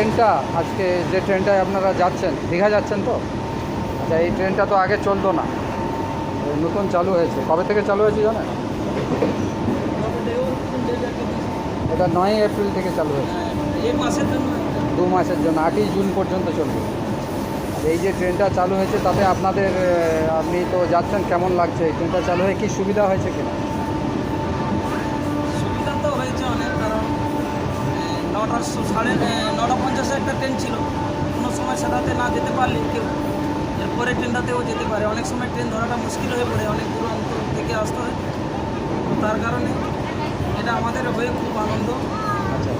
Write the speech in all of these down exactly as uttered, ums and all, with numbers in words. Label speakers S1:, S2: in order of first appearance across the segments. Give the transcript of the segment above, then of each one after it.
S1: ট্রেনটা আজকে যে ট্রেনটায় আপনারা যাচ্ছেন, দীঘা যাচ্ছেন তো? আচ্ছা, এই ট্রেনটা তো আগে চলতো না, নতুন চালু হয়েছে। কবে থেকে চালু হয়েছে জানেন? এটা নয়ই এপ্রিল থেকে চালু হয়েছে, দু মাসের জন্য, আটই জুন পর্যন্ত চলবে। আর এই যে ট্রেনটা চালু হয়েছে তাতে আপনাদের, আপনি তো যাচ্ছেন, কেমন লাগছে? এই ট্রেনটা চালু হয়ে কি সুবিধা হয়েছে কিনা?
S2: সুবিধা তো হয়েছে অনেক, কারণ নটা সাড়ে নটা পঞ্চাশে একটা ট্রেন ছিল, কোনো সময় সেটাতে না যেতে পারলে কেউ এরপরে ট্রেনটাতেও যেতে পারে। অনেক সময় ট্রেন ধরাটা মুশকিল হয়ে পড়ে, অনেক দূরান্ত থেকে আসতে হয়। তো তার কারণে এটা আমাদের হয়ে খুব আনন্দ।
S1: আচ্ছা,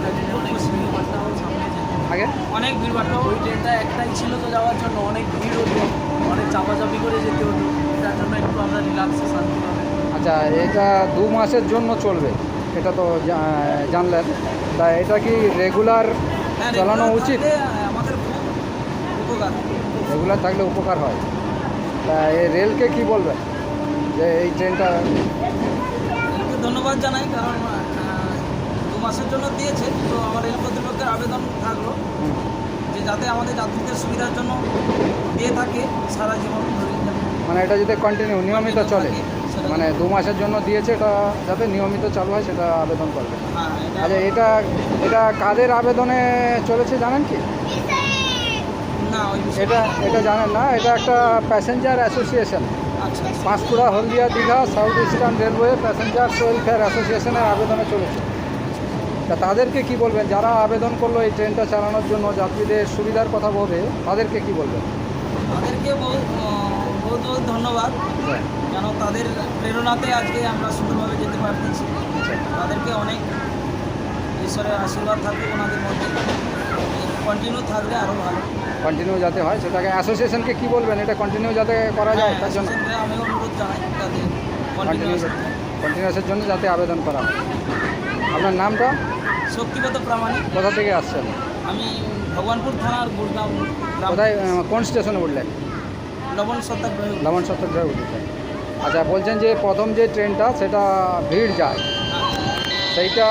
S1: আগে
S2: অনেক ভিড় বাড়তো, ওই ট্রেনটা একটাই ছিল তো যাওয়ার জন্য, অনেক ভিড় হতো, অনেক চাপাচাপি করে যেতে হতো। তার জন্য একটু আমরা রিল্যাক্সে শান্তি পাবে।
S1: আচ্ছা, এটা দু মাসের জন্য চলবে, এটা তো জা- জানলেন। তা এটা কি রেগুলার
S2: হ্যাঁ,
S1: চালানো
S2: regular
S1: উচিত?
S2: থাকলে আমাদের খুব উপকার।
S1: রেগুলার থাকলে উপকার হয়। তা এই রেলকে কি বলবেন যে এই ট্রেনটা?
S2: রেলকে ধন্যবাদ জানাই, কারণ আহ, দু মাসের জন্য দিয়েছে। তো আমার রেল কর্তৃপক্ষের আবেদন থাকলো
S1: হুম,
S2: যে যাতে আমাদের যাত্রীদের সুবিধার জন্য দিয়ে থাকে সারা জীবন ধরে।
S1: মানে এটা যাতে কন্টিনিউ নিয়মিত চলে, মানে দু মাসের জন্য দিয়েছে, এটা যাতে নিয়মিত চালু হয় সেটা আবেদন করবে।
S2: হ্যাঁ, এটা-
S1: আচ্ছা, এটা এটা কাদের আবেদনে চলেছে জানেন কি?
S2: না, ওই বিষয়ে-
S1: এটা এটা জানেন না? এটা একটা প্যাসেঞ্জার অ্যাসোসিয়েশন,
S2: আচ্ছা আচ্ছা।
S1: Panskura Haldia Digha south eastern railway passenger welfare অ্যাসোসিয়েশনের আবেদনে চলেছে। তা তাদেরকে কি বলবেন, যারা আবেদন করলো এই ট্রেনটা চালানোর জন্য, যাত্রীদের সুবিধার কথা বলবে, তাদেরকে কি বলবেন?
S2: তাদেরকে বহু আহ, বহুত বহুত ধন্যবাদ,
S1: হ্যাঁ,
S2: কেন তাদের প্রেরণাতে আজকে আমরা সুন্দরভাবে যেতে পারতেছি।
S1: আচ্ছা,
S2: তাদেরকে অনেক ঈশ্বরের আশীর্বাদ থাকবে ওনাদের মধ্যে, কন্টিনিউ থাকলে আরও ভালো।
S1: কন্টিনিউ যাতে হয় সেটাকে, অ্যাসোসিয়েশনকে কি বলবেন এটা কন্টিনিউ যাতে করা যায় তার জন্য?
S2: হ্যাঁ, আমি অনুরোধ জানাই যাতে
S1: কন্টিনিউ
S2: কন্টিনিউ।
S1: কন্টিনিউসের জন্য যাতে আবেদন করা হয়। আপনার নামটা?
S2: শক্তিগত প্রামাণিক।
S1: কোথা থেকে আসছেন?
S2: আমি ভগবানপুর থানার গুড়গাঁও গ্রাম,
S1: কোথায়, আহ, কোন স্টেশনে উঠলেন?
S2: লবণ সত্যাগ্রহ।
S1: লবণ সত্যাগ্রহে উঠেছেন। আচ্ছা, বলছেন যে প্রথম যে ট্রেনটা সেটা ভিড় যায়, সেইটা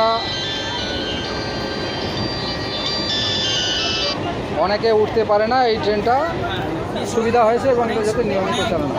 S1: অনেকে উঠতে পারে না, এই ট্রেনটা সুবিধা হয়েছে এবং এটা যাতে নিয়মিত চালানো হয়।